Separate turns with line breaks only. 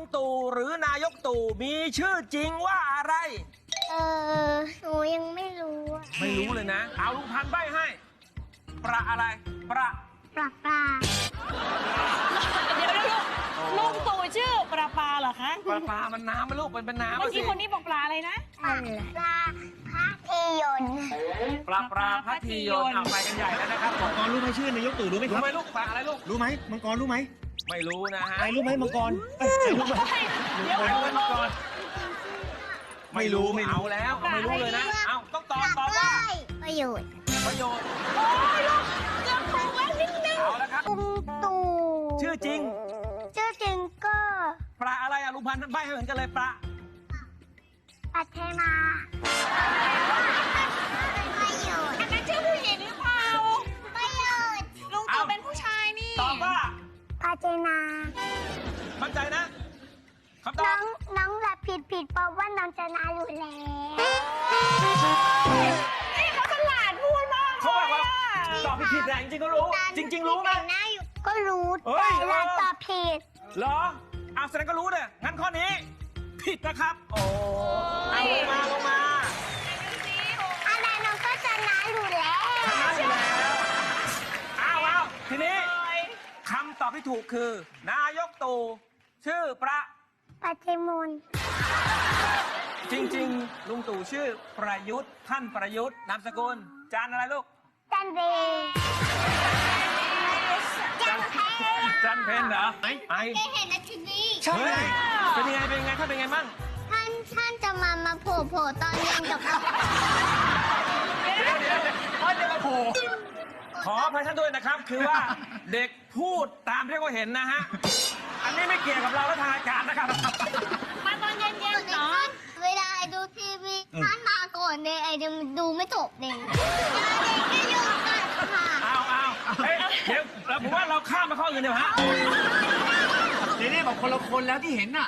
ตู่หรือนายกตู่มีชื่อจริงว่าอะไร
หนูยังไม่รู้
ไม่รู้เลยนะ เอาลุงพันธุ์ใบ้ให้ ประอะไร
ปลา
เดี๋ยวลุงตู่ชื่อปลาเหรอคะ
ปลามันน้ำมันลูกเป็นน้ำ
เมื่อกี้คนนี้บอกปลาอะไรนะ
ปลาพระทียนต์
ปลาพัทยนต์เอาไปกันใหญ่แล้วนะครับผม
มังกรรู้ไหมชื่อนายกตู่รู้ไหมค
รู้
รับ
ไหมลูกปลาอะไรลูก
รู้ไหมมังกรรู้ไหม
ไม่รู้นะฮะ
ไอ้รู้ไหมมังกรรู้ไหม
เดี๋ยว
ไม่รู้เป็นมังกร
ไม่รู้ไม่รู้
เอาแล้วไม่รู้เลยนะ เอาต้องตอบว่า
ประโยชน์
ประโยชน์
โอ้ยลูกเกือบถูกแล้วนิดนึง
เอาแล้วครับ
ลุงตู่
ชื่อจริง
ชื่อจริงก็
ปลาอะไรอะลุงพันธุ์ใบ้ให้เหมือนกันเลยปลา
ปัทมาประโยชน์
อันนั้นชื่อผู้หญิงหรือเปล่า
ประโยชน์
ลุงตู่เป็นผู้ชายนี่
ตอบว่า
ปัจนา
มั่นใจนะคำตอ
น้
บ
องแบบผิดเพราะว่าน้องชนะอยู่แล้ว
นี่เขาฉลาดพูดมาก
เขาบอกว่า
เลย
ตอบผิดแต่จริงๆก็รู้ จริง ๆ รู้ไหม
แต่หน้าอยู่ก็รู้
เฮ้ย
แต่เราตอบผิด
เหรอเอาแสดงก็รู้เนี่ยงั้นข้อนี้ ผิดนะครับ โอ้เอาลงมา
อะไรน้องก็ชนะอยู่แล้ว
ชนะอยู่แล้วเอาทีนี้คำตอบที่ถูกคือ นายกตู่ชื่อประ
ปัจมุน
จริง ๆ ลุงตู่ชื่อประยุทธ์ท่านประยุทธ์นามสกุลจานอะไรลูก
จันเบจันเพ
จันเพนเหรอไอ้
ได้เห็นนาทีนี้
ใช่เป็นยังไงท่านเป็นไงมั่ง
ท่านจะมาโผล่ตอนเย็นกับเรา
เดี๋ยวมาโผล่ขออภัยท่านด้วยนะครับ คือว่าเด็กพูดตามที่เขาเห็นนะฮะ อันนี้ไม่เกี่ยวกับเราและทางอากาศนะครับ
มาตอนเย็นๆเนาะ
เวลาไอดูทีวีท่านมาก่อนเนี่ยไอจะดูไม่จบเลยเด็กก็อยู่กันค่ะ
เอาเฮ้ยเดี๋ยวผมว่าเราข้ามมาข้ออื่นเดี๋ยวฮะ
นี่บอกคนละคนแล้วที่เห็นน่ะ